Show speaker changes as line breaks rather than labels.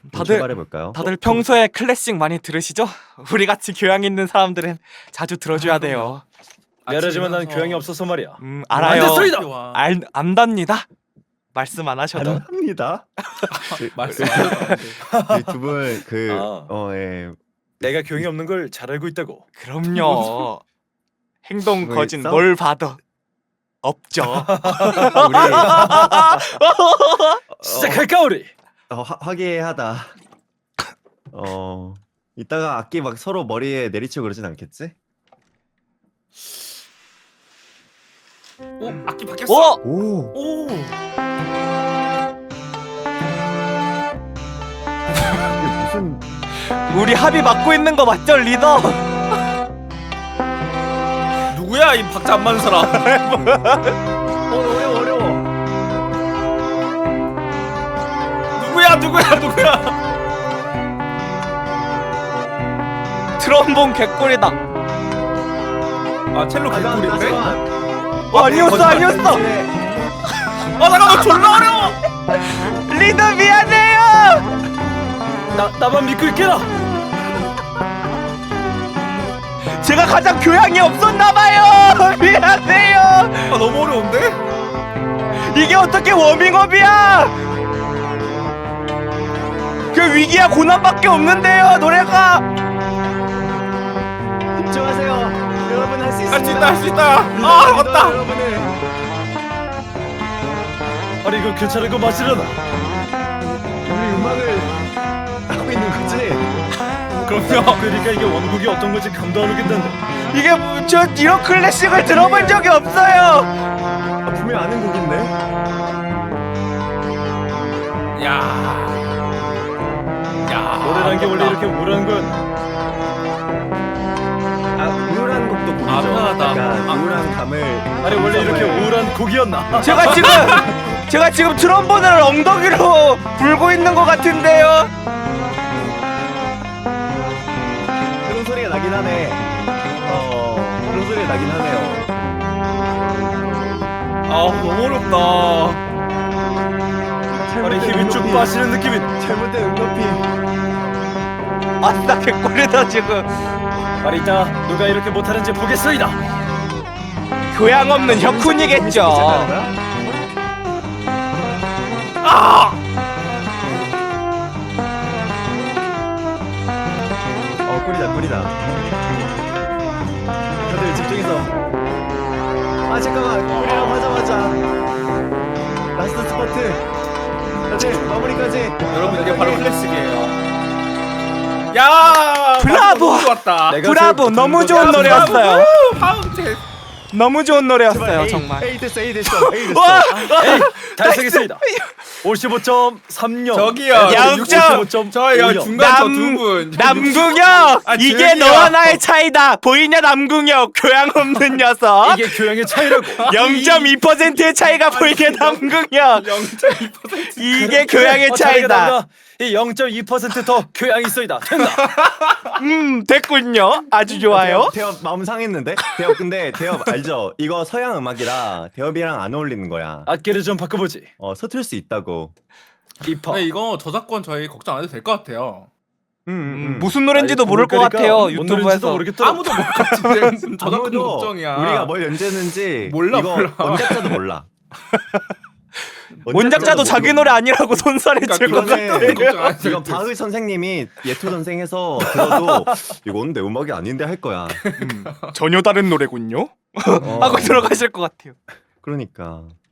출발해볼까요?
다들 평소에 클래식 많이 들으시죠? 우리 같이 교양 있는 사람들은 자주 들어줘야 돼요.
미안하지만 난 교양이 없어서 말이야.
알아요.
안 됐습니다.
안답니다. 말씀 안 하셔도.
합니다.
말씀
두분
아. 내가 교양이 없는 걸 잘 알고 있다고.
그럼요. 행동
왜
거진
싸우-
뭘 봐도 없죠.
우리
시작할까 우리?
화기애애하다. 이따가 악기 막 서로 머리에 내리치고 그러진 않겠지?
오 악기 바뀌었어.
오.
오.
이게 무슨
우리 합의 맞고 있는 거 맞죠, 리더?
누구야 이 박자 안 맞는 사람?
어려워.
누구야?
트럼본 개꿀이다.
아 첼로 개꿀인데?
아니었어.
잠깐만 졸라 어려워.
리더 미안해요.
나만 믿고 있게라.
제가 가장 교양이 없었나봐요. 미안해요.
아 너무 어려운데?
이게 어떻게 워밍업이야? 그 위기야 고난밖에 없는데요, 노래가.
집중하세요. 여러분 할 수 있습니다.
할 수 있다. 아 맞다.
여러분을
아니 이거 괜찮은 거 맞으려나?
우리 음악을 하고 있는 거지?
그럼요.
그러니까 이게 원곡이 어떤 건지 감도 안 오겠는데.
이게 저 이런 클래식을 들어본 적이 없어요.
분명 아는 곡인데?
야.
노래라는 게 원래 이렇게 우울한 건.
우울한 곡도 곡이죠.
편하다.
약간 우울한 감을
아니 원래 이렇게 우울한 곡이었나?
제가 지금 트럼본을 엉덩이로 불고 있는 것 같은데요.
그런 소리가 나긴 하네. 그런 소리가 나긴 하네요.
아 너무 어렵다.
아니 힘이 쭉 빠지는 느낌이네.
잘못된 응답이.
아싸 개꿀이다 지금.
아니 이따 누가 이렇게 못하는지 보겠소이다.
교양 없는 혁훈이겠죠.
꿀이다. 다들 집중해서. 잠깐만. 꿀이라고 하자마자 라스트 스퍼트. 다들 마무리까지.
여러분 이게 바로 클래식이에요. 야
브라보!
너무 좋았다.
브라보, 너무 좋은 노래였어요.
파운틴.
너무 좋은 노래였어요 정말.
A 됐어.
와!
에이 달성했습니다. 55.30.
저기요.
양점.
저요 중간 저 두 분.
남궁혁!
아,
이게
조용히요.
너와 나의 차이다. 보이냐 남궁혁? 교양 없는 녀석.
이게 교양의 차이라고.
0.2%의 차이가 보이게 남궁혁.
0.2%.
이게 교양의
차이가
차이다.
난다. 이 0.2%더 교양이 있어이다. 된다.
됐군요. 아주 좋아요.
대엽 마음 상했는데? 대엽 근데 대엽 알죠? 이거 서양 음악이라 대엽이랑 안 어울리는 거야.
악기를 좀 바꿔보지.
서툴 수 있다고.
이퍼.
근데 이거 저작권 저희 걱정 안 해도 될 것 같아요.
무슨 노래인지도
아니,
모를 것
그러니까
같아요.
뭔 노래인지도
유튜브에서.
모르겠더라.
아무도 모르겠지. 저작권
아무도
걱정이야.
우리가 뭘 연주했는지
몰라,
이거
몰라.
원작자도 몰라.
원작자도 자기 노래 아니라고 손살에 칠 것
이거는-
같아요.
걱정 안 해도
이건
돼.
바흐 선생님이 예토 선생해서 들어도 이건 내 음악이 아닌데 할 거야.
전혀 다른 노래군요.
어,
하고 들어가실 것 같아요.
그러니까